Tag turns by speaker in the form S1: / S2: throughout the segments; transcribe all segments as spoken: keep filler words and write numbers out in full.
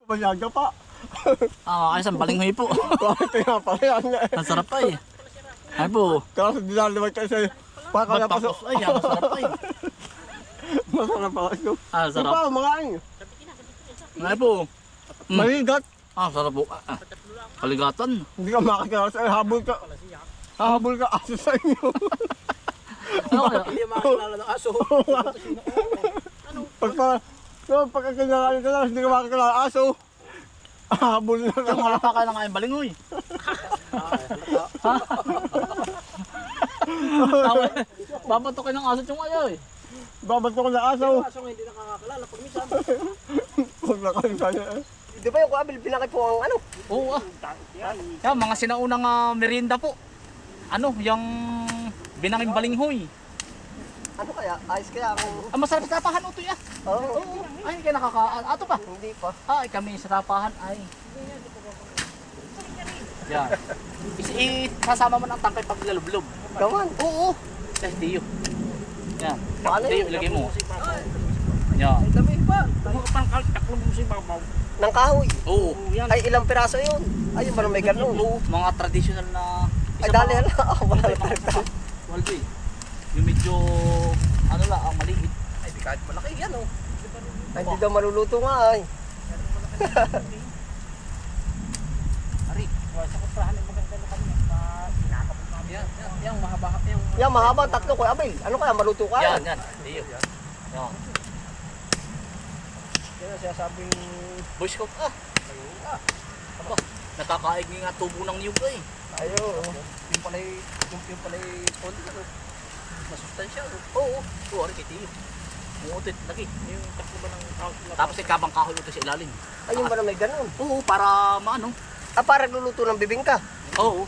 S1: Mayaga pa.
S2: Ah, ayos ang balinghoy po.
S1: Bakit nga pala yan nga eh.
S2: Ang sarap pa eh. Ay po.
S1: Kasi dinaliwag kayo sa'yo. Pakala pa sa...
S2: Bagpakos. Ay, ang sarap pa eh.
S1: Masarap pa kayo.
S2: Ah,
S1: Di
S2: sarap.
S1: ba, mga ano?
S2: Ay po. Mm.
S1: Maligat.
S2: Ah, sarap po. Ah, ah. Kaligatan.
S1: Hindi ka makakilala sa'yo. Habol ka. Hahabol ka aso sa inyo.
S2: Ano kaya?
S3: Hindi makakilala ng aso.
S1: Pag pa... No, pagkakilala ka lang, hindi ka makakilala aso. Hahabol na
S2: Yung
S1: lang.
S2: wala pa ka lang kayong balinghoy. Ha? Tawa. Babatukin ng aso yung ayaw eh.
S1: Babat ko na aso.
S3: Yung aso nga hindi nakakakilala pag minsan.
S1: Huwag na kayo sa'yo eh.
S3: Di ba yung kuabil pinakit po ang ano?
S2: Oo ah. Yan, mga sinaunang uh, merienda po. Ano, yung binanging balinghoy.
S3: Ano kaya? Ayos kaya ang...
S2: Ah, masarap sa tapahan utoy ah.
S3: Oo.
S2: Oo. Ay, kaya nakaka... Ato pa.
S3: Hindi pa.
S2: Ay, kami sa tapahan ay. Yan. Is isasama mo ng tangkay pag lalublob.
S3: Gawan.
S2: Oo. Eh, Dio. Yan.
S3: Paano
S2: Dio,
S3: yun?
S2: ilagay mo. Yan.
S3: Ay, dami pa.
S2: Taklong mo si Babaw.
S3: Ng kahoy.
S2: Oo.
S3: Ay, ilang piraso yun? Ay, yung parang may ganun.
S2: Oo. Mga traditional na...
S3: Ay, dali hala. Ako wala na talaga.
S2: Waldo eh. Yung medyo... Ano lang, ang maliit.
S3: Ay, di kahit malaki yan oh. Ay, hindi daw maluluto nga ay.
S2: Ari. Sa kuprahan yung maganda na kami. Sinakapon namin. Yan, yan, yan, mahaba. Yung...
S3: Yan, mahaba tatlo ko. Abel, ano kaya maluto ka?
S2: Yan, yan. Dio. Yan.
S3: Yan ang sinasabing...
S2: Boy Scout ah. Aba, nakakaig nga tubo ng niyog eh.
S3: Ayo.
S2: Yung pala'y, yung, yung pala'y poli ano. Masustansya. Oo, oo. Oo, ari kay Tiyo. Umuutot, lagi. Yung takbo ba ng kahoy. Tapos ay kabang kahoy uto sa ilalim.
S3: Ay, yung ba na may ganun?
S2: Oo, para maano.
S3: Ah, para luluto ng bibingka.
S2: Oo.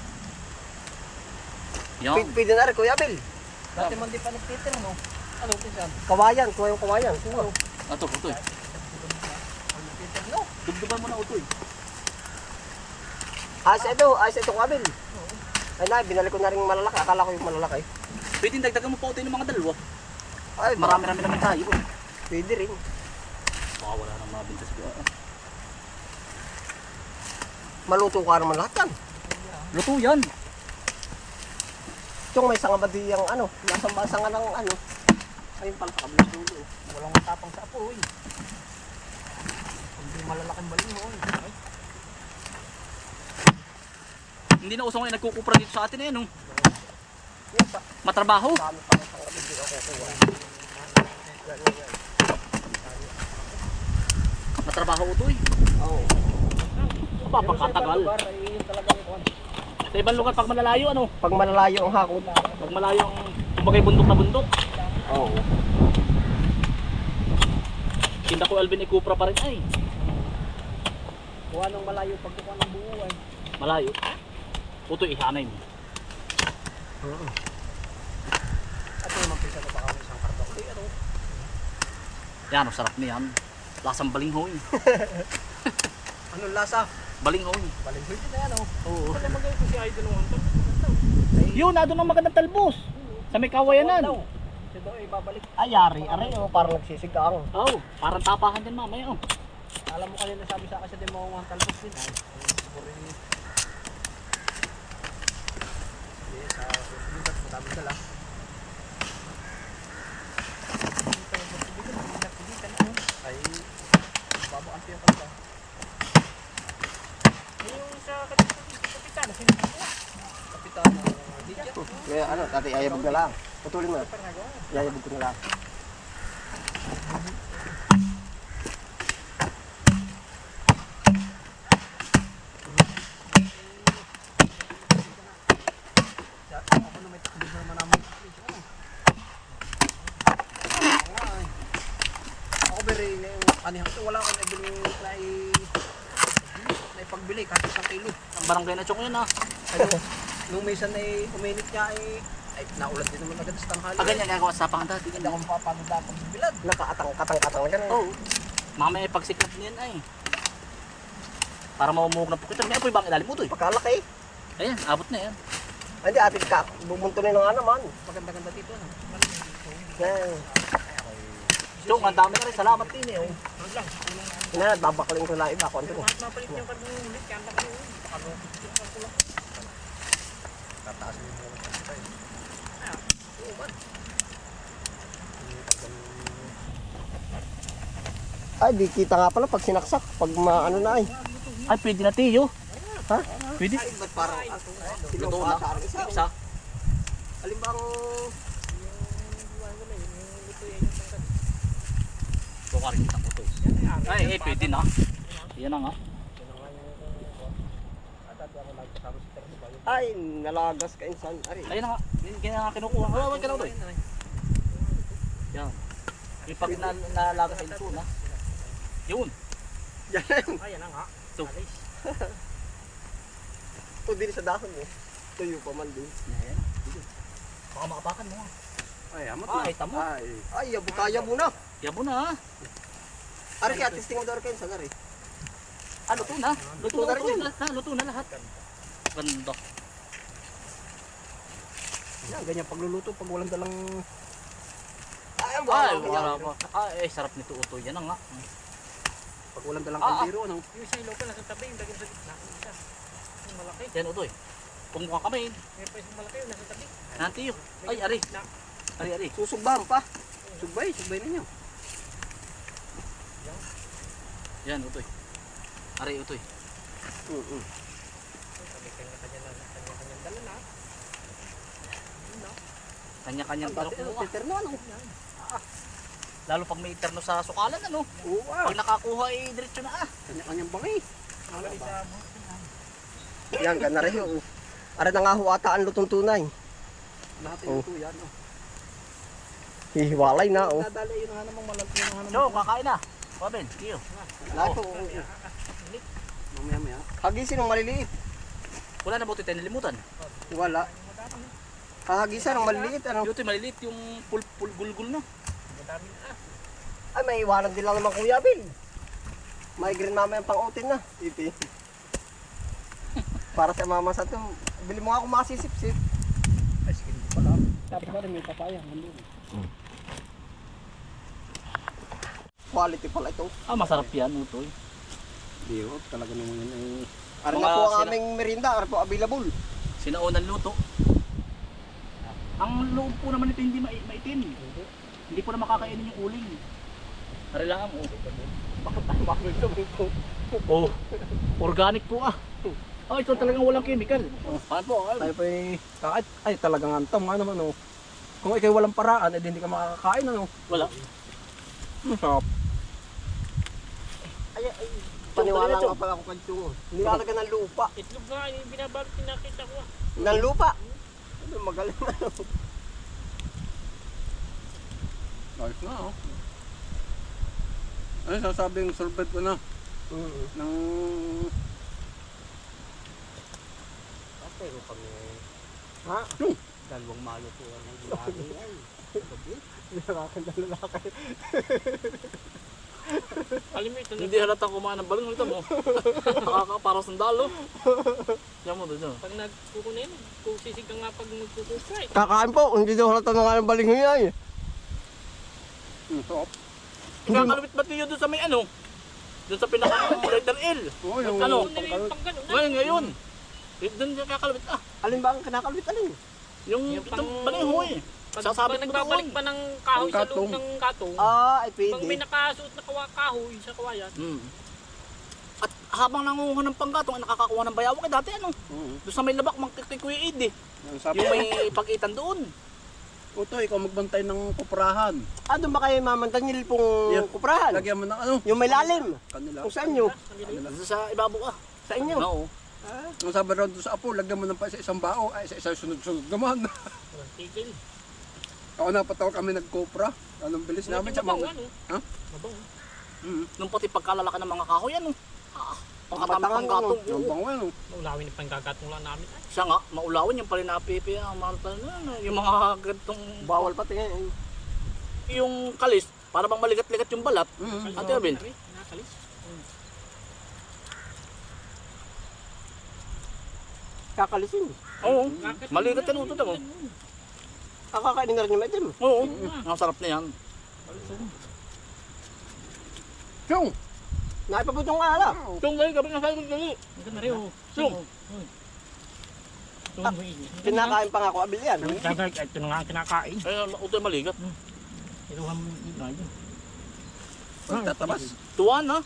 S2: Yan.
S3: P- Pwede na rin, Kuya Abel.
S2: Dati man di pa nagtitin, ano? Ano, pinsan?
S3: Kawayan, kuha yung kawayan. Kuha.
S2: Ato, utoy. Dugdugan mo na utoy.
S3: Ayos ito, ayos ito, Kuya Abel. Ay na, binalik ko na rin malalaki. Akala ko yung malalaki.
S2: Pwede dagdagan mo pa utoy ng mga dalawa.
S3: Ay,
S2: Marami-rami naman tayo. Eh.
S3: pwede rin.
S2: Baka wala nang mga bintas ko.
S3: Maluto ka naman lahat yan.
S2: Luto yan.
S3: Yung may sanga ba di yung ano, nasa sanga ng ano. Ayun pala sa kabilang dulo.
S2: Walang matapang sa apoy. Hindi malalaking balinghoy. Ay. Hindi na usong ngayon nagkukupra dito sa atin eh, no?
S3: Yan pa.
S2: Matrabaho.
S3: Dami pa ng sanga di ako kuha.
S2: Matrabaho utoy.
S3: Oo.
S2: Papakatagal. Sa ibang lugar pag malalayo, ano?
S3: Pag malalayo ang hakot.
S2: Pag malayo ang kumbagay bundok na bundok.
S3: Oo.
S2: Tinda ko Alvin Ikupra pa rin ay.
S3: Kuha ng malayo pag kuha ng buo ay.
S2: Malayo. Utoy, ihanay mo.
S3: Oo. At yung magpisa na baka may isang kardakli. Ano?
S2: Yan, ang sarap niyan. Lasang balinghoy.
S3: Anong lasa?
S2: Balinghoy.
S3: Balinghoy din na yan oh.
S2: Oo.
S3: Ano magayon ko si Idol ng Hunter?
S2: Yun, na doon ang magandang talbos. Sa may kawayanan. Oo,
S3: Siya daw ay babalik. Ay, yari. Aray oh, parang nagsisigang.
S2: oh, parang tapahan din mamaya. Oh.
S3: Alam mo kanina sabi sa akin siya din mo ang talbos din. Ay, siguro yun. Sige, sa susunod at madami dala. Ay, babaas yung kanta. Yung sa kapitan, sino? Kapitan ng D J. Kaya ano, tati ayabog na lang. Putulin mo na. Ayabog ko na lang. Ako beri na yung anihan ko. Wala akong nabili na i- na ipagbili kahit isang kilo.
S2: Ang barangay na chok yun ah.
S3: Ano, nung minsan ay uminit niya ay ay naulat din naman agad sa tanghali.
S2: Ah, ganyan gagawa sa tapahan dati.
S3: Hindi ako mapapagod na pag bilad. Nakakatang-katang-katang lang.
S2: Oo. Mamaya pagsiklat niyan ay. Para maumuhog na pukit. May apoy bang ilalim mo to eh.
S3: Pagkalaki.
S2: Ayan, abot na yan.
S3: Hindi, atin ka. Bubuntunin na nga naman. Maganda-ganda dito. Ano? Yan.
S2: Chong, ang dami ka rin. Salamat din eh. Oh.
S3: Ina, babakling ko lang iba. Konti ko. Ay, di kita nga pala pag sinaksak. Pag maano na ay.
S2: Ay, pwede na tiyo.
S3: Ha?
S2: Pwede.
S3: Ay, ba't parang
S2: Luto na. Isa.
S3: Alin bang...
S2: Ito ka rin kita ko to. Ay, eh, pwede na. Yan na nga.
S3: Ay, nalagas ka insan. Ari.
S2: Ayun na nga. Yan yan nga kinukuha. Oh, wag ka na to eh. Yan. Yung pag na, nalaga sa ilso na. Yun.
S3: Yan.
S2: Ayan na nga. Ito.
S3: Ito din sa dahon mo. Tuyo pa man din.
S2: Ayan na. Baka makapakan mo nga.
S3: Ay, amat
S2: na. Ay, tamo.
S3: Ay, ay, yabo kaya mo na.
S2: Yabo na ha.
S3: Ari kaya testing mo daw rin sa ari.
S2: Ah, luto na. Luto
S3: Luto na
S2: na
S3: rin
S2: rin
S3: yun.
S2: lahat. Luto na lahat. Ganda.
S3: Yan, ganyan pagluluto pag walang dalang... Ay,
S2: Ay, wala pa. Ay, eh, sarap nito uto. Yan na nga.
S3: Pag walang dalang
S2: Ah, ah.
S3: kaldero, ano?
S4: Yung isa yung local nasa tabi, yung daging sa gitna. Yung isa. Yung malaki.
S2: Yan uto eh. Kung mukha kami.
S4: May pa isang malaki yung nasa tabi.
S2: Nanti yun. Ay, ari. Ari, ari.
S3: Susugbahan pa. Sugbay, sugbay ninyo.
S2: Yan utoy. Ari utoy.
S3: Mm-mm.
S4: Sabi kanya-kanya na, kanya-kanyang dala na.
S2: Kanya-kanyang
S3: Ang dati, ano,
S2: kinukuha.
S3: teterno, ano?
S2: Lalo pag may iterno sa sukalan ano.
S3: Oo, ah.
S2: Pag nakakuha eh, diretso na ah.
S3: Kanya-kanyang bangi.
S4: Wala isa mo.
S3: Yan, gana rin yun. Ari na nga ho ata ang lutong tunay.
S4: Lahat
S3: Oh.
S4: yung tuyan. Oh.
S3: Hihiwalay na, oh.
S4: Nadali yun nga namang malaki yun nga
S2: So, kakain na. Paben, tiyo.
S3: Lahat, oh. oh, oh.
S4: Mamaya-maya.
S3: Hagisin ng maliliit.
S2: Wala na buti tayo nalimutan.
S3: Wala. Hahagisan ng maliliit, ano?
S2: Yung utoy maliliit yung pul pul gulgul na.
S4: Madami na.
S3: Ay, may iwanan din lang naman Kuya Bill. May green mama yung pang-utin na. Iti. Para sa mama sa to. Bili mo nga kung makasisip-sip.
S4: Ay, sige dito pala. Tapos na rin may papaya. Nandun.
S3: Quality pala ito.
S2: Ah, masarap yan utoy.
S4: Di oh, talaga naman yun ay...
S3: Ari
S2: Mga
S3: na po ang
S2: sila-
S3: aming merinda. Ari po available.
S2: Sinaunan luto. Ang loob po naman ito hindi ma maitim. Hindi po na makakainin yung uling. Ari lang oh.
S3: Bakit tayo makawin ito?
S2: Oh. Organic po ah. Oh, ito talagang walang chemical. Oh, paano po? Ay,
S4: Tayo pa ay... Kahit, ay talagang antam nga naman oh. Kung ikaw walang paraan, eh hindi ka makakain ano.
S2: wala.
S4: Masarap.
S3: Ay, ay. Paniwala nga pala ako kanto. Nilalagyan ng lupa.
S4: Itlog nga, yung binabalot yung nakita ko ah.
S3: Ng lupa. Ano, magaling na.
S5: Ayos na oh. Ano sasabing sorbet ko na
S3: Mm.
S5: ng
S3: Okay, kami.
S4: Ha?
S3: Hmm.
S4: Dalawang mayo po ang lagi ay.
S3: Nakakanda lalaki.
S4: Alam mo ito na.
S2: Hindi halata kumain ng balon ito mo. Nakaka para sandalo. Yan mo doon.
S4: Pag nagkukunin, kung sisig ka nga pag nagkukuha eh.
S3: Kakain po, hindi daw halata na nga ng baling niya eh.
S5: mm, soap.
S2: Kakalupit ba tiyo doon sa may ano? Doon sa pinaka letter L.
S5: Oo, yung
S2: Ano?
S4: Kung nila yung pang ganun na.
S2: Ngayon, ngayon. Doon yung kakalupit ah.
S3: Alin ba ang kinakalbit alin?
S2: Yung
S4: Yung
S2: itong
S4: pang-
S2: baliho eh.
S4: Pag,
S2: Sasabit
S4: pag
S2: mo
S4: nagbabalik
S2: doon.
S4: pa ng kahoy sa loob
S5: Katong.
S4: ng katong,
S3: Ah, ay
S4: pag may
S3: pwede.
S4: nakasuot na kawa kahoy sa kawayan,
S2: Hmm. At habang nangunguha ng panggatong, ay nakakakuha ng bayawak eh dati ano.
S5: Oo.
S2: Doon sa may labak, kay Kuya Ed eh.
S5: Yung sabi
S2: Yung may pag-itan doon.
S5: Uto, ikaw magbantay ng kuprahan.
S3: Ah, doon ba kayo mamantanyil pong
S5: Yeah.
S3: kuprahan?
S5: Lagyan mo ng ano?
S3: Yung may lalim.
S5: Kanila.
S3: Kung saan nyo?
S2: Doon sa ibabaw ah.
S3: Sa inyo?
S2: Oo.
S5: Ang sabi raw doon sa apo, lagyan mo ng pa sa isang bao, ay sa isang sunod-sunod naman.
S4: walang tigil.
S5: Ako napataw kami nagkopra. Anong bilis namin sa
S4: Mabango,
S5: mga...
S4: ano?
S5: Ha?
S4: Mabango.
S5: Mm.
S2: Nung pati pagkalalaki ng mga kahoy ano. Ah, pangkatama
S3: Patangan,
S2: panggatong.
S5: Yung
S2: Oo.
S5: bango ano.
S4: Maulawin yung panggagatong lang namin ay.
S2: Siya nga, maulawin yung pala napipi ang mga ano, yung mga gantong
S3: Bawal pati ngayon.
S2: yung kalis, para bang maligat-ligat yung balat.
S5: Mm.
S2: Ate Abel.
S4: Ari, Nakalis.
S3: Kakalisin.
S2: Oo. Maligat yan utot mo.
S3: Kakakainin na rin yung medyo.
S2: Oo. Ang sarap na yan.
S5: Siyong!
S3: Naipaputong ka ala.
S2: Tung galing, gabi na sa akin gali.
S6: Ito na rin, oh.
S2: Sung.
S6: Tung, uy.
S3: Kinakain pa nga ako abil yan.
S6: Gagay, ito na nga ang kinakain.
S2: Ay, ito ay maligat.
S6: Iluhan mo yung iba yun.
S5: Pagtatabas.
S2: Tuwan ha?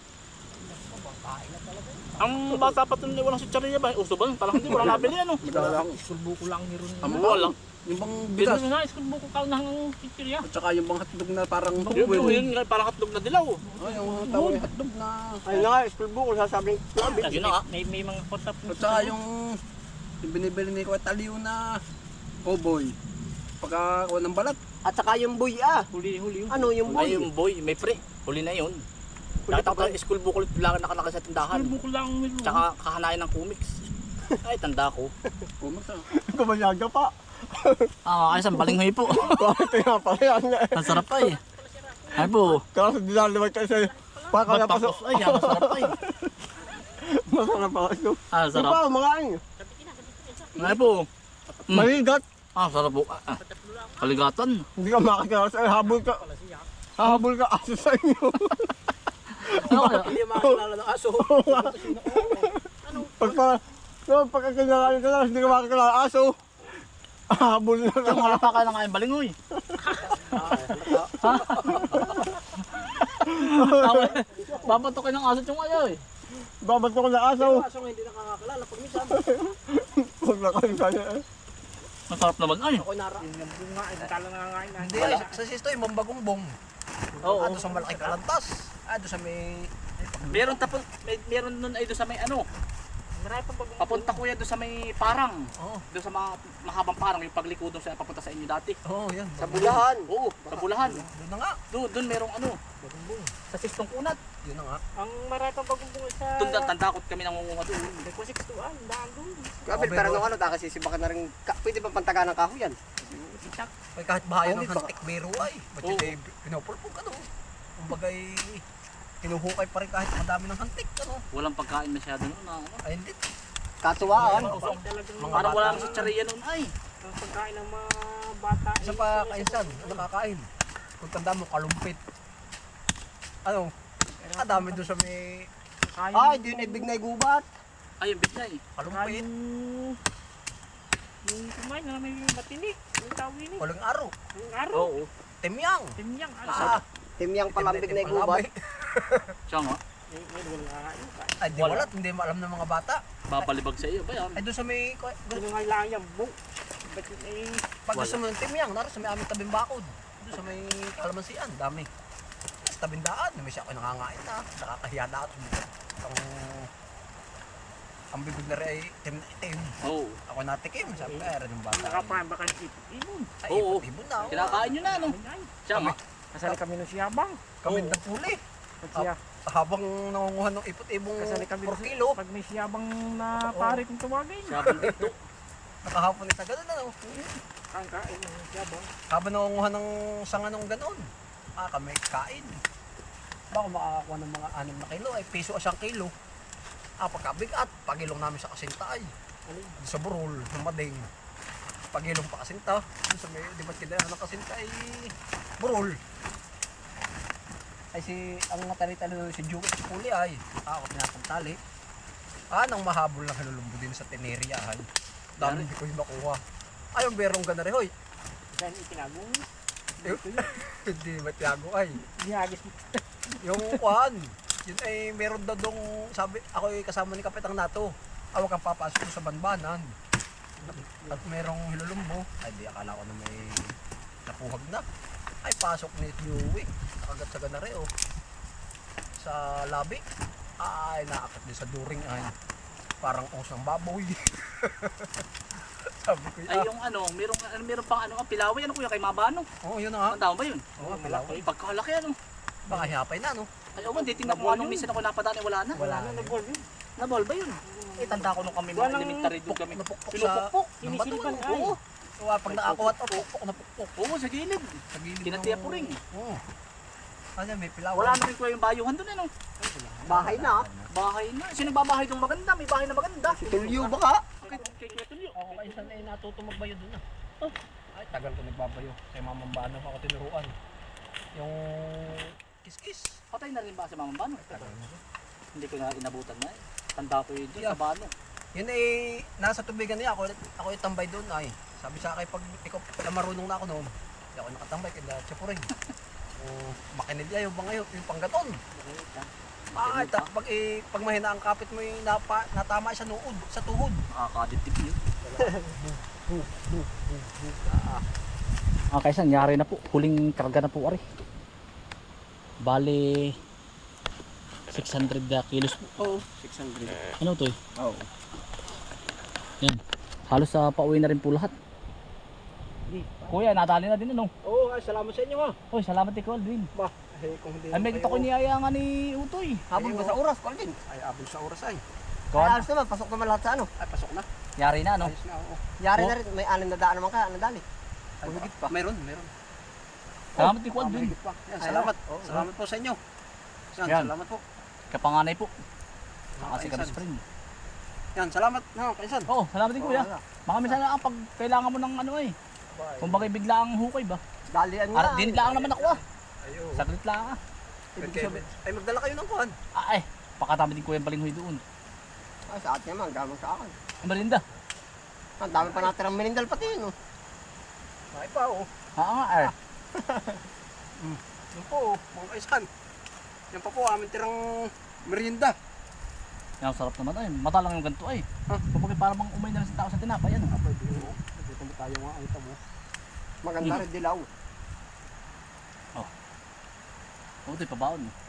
S2: Ang bata pa ito walang sitsariya ba? Uso ba? Parang hindi, walang nabili ano.
S5: Madalang.
S6: Isulbo ko lang ni Ron.
S5: Ang
S2: Walang.
S5: Yung bang
S6: Bigas
S5: bigas.
S6: na, isulbo ko ka ng chichirya.
S5: At saka yung bang hotdog na parang
S2: Yun, yun, yun, yun, parang hotdog na dilaw.
S5: Ay, yung tawag yung hotdog na.
S3: Ayun na nga, school book, sasabing labi.
S2: Yun na nga.
S6: May, may mga kotap.
S5: At saka yung, yung binibili ni Kuya Taliw na cowboy. Pagka kuha ng balat.
S3: At saka yung buy ah.
S6: Huli-huli yun.
S3: Ano yung
S2: Ay,
S3: buy?
S2: yung boy, may pre. Huli na yun. Nakita ko yung school book ulit lang nakalaki sa tindahan.
S6: Isulbo ko lang ni Ron.
S2: Tsaka kakanain ng comics. Ay, tanda ko.
S5: Kumasa.
S3: Gumanyaga pa.
S2: Ah, ay, isang balinghoy po.
S3: Bakit nga pa yan?
S2: Ang sarap pa eh. Ay po.
S3: Kaso dinaliwag kayo sa pakala pa sa...
S2: Matapos, ay, yan, masarap pa eh.
S3: Masarap pa ito.
S2: Ah,
S3: Ito
S2: sarap.
S3: pa, makain.
S2: Ay po. Mm.
S3: Maligat.
S2: Ah, sarap po. Ah, ah. Kaligatan.
S3: Hindi ka makakilala sa habol ka. Habol ka aso sa inyo.
S2: Ano kaya?
S3: Hindi makakilala ng aso. Pagka... No, pagkakilala ka lang, hindi ka makakilala ng aso. Habol na lang.
S2: Yung wala pa kaya ng balinghoy. Babatokin ng aso yung ayaw eh.
S3: Babato ko ng aso.
S6: Kaso nga hindi nakakakilala pag minsan.
S3: Huwag na kayo kaya eh.
S2: Masarap naman ay.
S6: Ako nara. Yung bunga, ay tala nangangain na.
S5: Hindi, sa sisto yung mambagong bong.
S2: Oo.
S5: Ado sa malaking kalantas. Ado sa may...
S2: Meron tapon, may, meron nun ay doon sa may ano.
S6: Marami pang bagong.
S2: Papunta kuya doon sa may parang.
S5: Oo.
S2: Doon sa mga mahabang parang yung pagliko doon sa papunta sa inyo dati.
S5: Oo, yan.
S3: Sa bulahan.
S2: Oo, sa Bulahan.
S5: Doon na nga.
S2: Doon, doon merong ano. Sa Sistong Kunat.
S5: Yun na nga.
S6: Ang marami pang bagong bunga sa...
S2: Doon tandakot kami nangunguha doon.
S6: Kung sixtuan, daan doon.
S3: Gabi, pero nung ano, kakasisibakan na rin. Ka, pwede ba pantaga ng kahoy yan?
S5: Ay, kahit bahayan
S3: Oo,
S5: ng
S3: di ba?
S5: hantik biro ay. Ba't
S2: Oo.
S5: yun ay pinupulpog ano? Kumbagay, kinuhukay pa rin kahit madami ng hantik ano?
S2: Walang pagkain masyado noon. na Ano?
S5: Ay, hindi.
S3: Katuwaan.
S6: Talagang
S5: Mga
S2: Parang
S5: bata.
S2: wala na sa tsariya noon ay.
S6: ang pagkain ng mga bata.
S5: Isa pa kainsan, ano kakain? Kung tanda mo, kalumpit. Ano? Ang dami doon sa may
S6: Kain,
S3: Ay, di yun ibig na gubat.
S2: Ay, yung bigla eh.
S5: kalumpit.
S6: kain, yung kumain na may matinik. Yung tawin eh.
S5: Walang aro.
S6: Yung araw.
S2: Oo.
S5: Timyang.
S6: Timyang.
S5: Ah,
S3: Timyang palambig na gubat.
S2: Siya nga.
S6: Eh, eh, wala kain.
S5: Ay, di wala. Hindi maalam ng mga bata.
S2: Babalibag sa iyo ba yan?
S5: Ay, doon sa may...
S6: Ano nga lang yan, bu. Ba't yun eh,
S5: Pag gusto mo ng timyang, naroon sa may aming tabing bakod. Doon sa may kalamansian, dami. Sa tabing daan, may siya ako nangangain na. Nakakahiya na ako. Ang, ang bibig na rin ay itim na itim.
S2: Oo.
S5: Ako natikim, sabi ko, ay, rin ng bata.
S6: nakapahan baka ipon.
S5: Ay,
S2: Oo.
S5: ibon na. oh.
S2: Kinakain nyo na ano?
S6: Ay,
S2: Siya nga.
S6: kasali kami ng siyabang.
S5: Kami
S2: Oo.
S5: nagpuli.
S6: Pag siya,
S5: Habang nangunguhan ng ipot-ibong
S6: kasali kami
S5: four
S6: ng-
S5: kilo,
S6: Pag may siyabang na pare kung tawagin.
S2: Siya bandito.
S5: nakahapon isa ganun ano.
S6: Ang kain ng siyabang.
S5: Habang nangunguhan ng sanga ng ganun, ah, kami kain. Baka makakakuha ng mga anim na kilo, ay piso o siyang kilo. Ah, pagkabigat, pagilong namin sa kasinta ay. Sa burol, ng mading. Pagilong pa kasinta, dun sa may, di ba't kinailan ng kasinta ay burol. Ay si, ang natali-tali nun si Juke sa puli ay, ah, ako pinapagtali. Ah, nang mahabol ng halulumbo din sa Teneria ay. Dami hindi ko yung makuha. Ay, yung berong gana rin, hoy.
S6: Saan itinago?
S5: Hindi matiago ay.
S6: Nihagis mo.
S5: Yung kwan, yun ay meron daw dong, sabi, ako ay kasama ni Kapitang Nato. Awag kang papasok sa banbanan. At merong hilulumbo. Ay, di akala ko na may napuhag na. Ay, pasok ni Dewey. Nakagat sa ganare, oh. Sa labi. Ay, naakat din sa during ay. Parang usang baboy. Sabi ko,
S2: Ay,
S5: ah.
S2: yung ano, merong, ano, meron pang ano, pilaway, ano kuya, kay Mabano.
S5: Oo, yun na nga.
S2: Tandaan ba yun?
S5: Oo, pilaway.
S2: Pagkalaki ano.
S5: Baka hihapay na, no?
S2: Ay, oo, hindi tingnan ko anong minsan ako napadaan, eh, wala na.
S5: Wala
S6: Ano
S5: na.
S6: na ball yun?
S2: Nabol ba yun? Eh, tanda ko nung kami mga
S6: Walang
S2: elementary doon kami.
S5: Napukpok sa...
S2: Pinupukpok.
S5: ng
S6: Sinisilpan
S5: bato,
S6: ay.
S5: Oo. Oo, pag nakakuhat, oh, pukpok na pukpok.
S2: Oo, sa gilid.
S5: Sa gilid
S2: Kinatiya
S5: ng-
S2: po rin.
S5: Oo. Ano, may pilaway.
S2: Wala na rin kuya yung bayuhan doon, ano.
S3: Bahay na.
S2: Bahay na. Sino babahay dong maganda? May bahay na maganda.
S3: Tulyo baka.
S2: Kay kay Kuya Tulio.
S5: Ako kainsan ay natuto magbayo doon ah. Ay, tagal ko nagbabayo. Kay Mamang Bano ako tinuruan. Yung Kiskis.
S2: Patay na rin ba si Mama Bano? Hindi ko na inabutan na eh. Tanda ko yun doon
S5: Yeah.
S2: sa Bano.
S5: Yun ay nasa tubigan niya ako. Ako ay tambay doon ay. Sabi sa akin pag ikaw pala marunong na ako noon. Hindi ako nakatambay kaya tsapurin. O makinig ayaw ba ngayon yung panggaton. Ah, ta, pag eh, pag mahina ang kapit mo yung napa, natama sa nuod, sa tuhod.
S2: Nakakaditip yun. Ah, kaysa nangyari na po. Huling karga na po ari. Bale six hundred kilos po.
S3: Oo, six hundred.
S2: Ano to eh?
S3: Oo.
S2: Yan. Halos sa pauwi na rin po lahat. Kuya, nadali na din ano.
S5: Oo, oh, salamat sa inyo ha.
S2: Oy, salamat kay Aldwin.
S5: Ba, eh, kung hindi
S2: Ay, may kita ko niyaya nga ni Utoy.
S3: Habol ba sa oras, Colvin?
S5: Ay, abol sa oras ay.
S3: Ay,
S2: Kuwan,
S3: alas naman, pasok naman lahat sa ano.
S5: Ay, pasok na.
S2: yari na ano.
S5: Ayos na, oo.
S3: Yari
S2: Oh.
S3: na rin, may anim na daan naman ka, nadali.
S5: Ay, higit pa. Meron, meron.
S2: Salamat kay
S5: Ah,
S2: Aldwin.
S5: mahigit pa. Yan, salamat. Salamat po sa inyo. Yan,
S2: Yan.
S5: salamat po.
S2: Kapanganay po.
S5: Mga
S2: Kasi
S5: kaisan.
S2: ka friend.
S5: Yan, salamat. No, kaisan.
S2: Oh, salamat din kuya.
S3: wala.
S2: Baka minsan lang pag kailangan mo ng ano eh. Kung bagay bigla ang hukay ba?
S3: Dalian nga.
S2: Ara, din lang naman ako ah.
S5: Ayo.
S2: Saglit lang ah.
S5: Ibig sabihin, ay magdala kayo ng kuhan.
S2: Ah, ay, pakatami din kuya ang balinghoy doon.
S3: Ay, sa atin naman, gamang sa akin.
S2: Ang merinda.
S3: Ang dami pa natin ang minindal pati yun. Oh.
S5: Ay pa, oh.
S2: Oo nga eh.
S5: Yan po, oh, mga kaisan. Yan pa po, aming tirang merienda.
S2: Yan, sarap naman ay. Mata lang yung ganito ay.
S5: Huh?
S2: Kung bakit parang mang umay na lang sa tao sa tinapay yan. ah.
S5: Pwede mo. Dito mo tayo mga ito mo.
S3: Maganda rin dilaw.
S2: Oo, ito'y pabaon mo.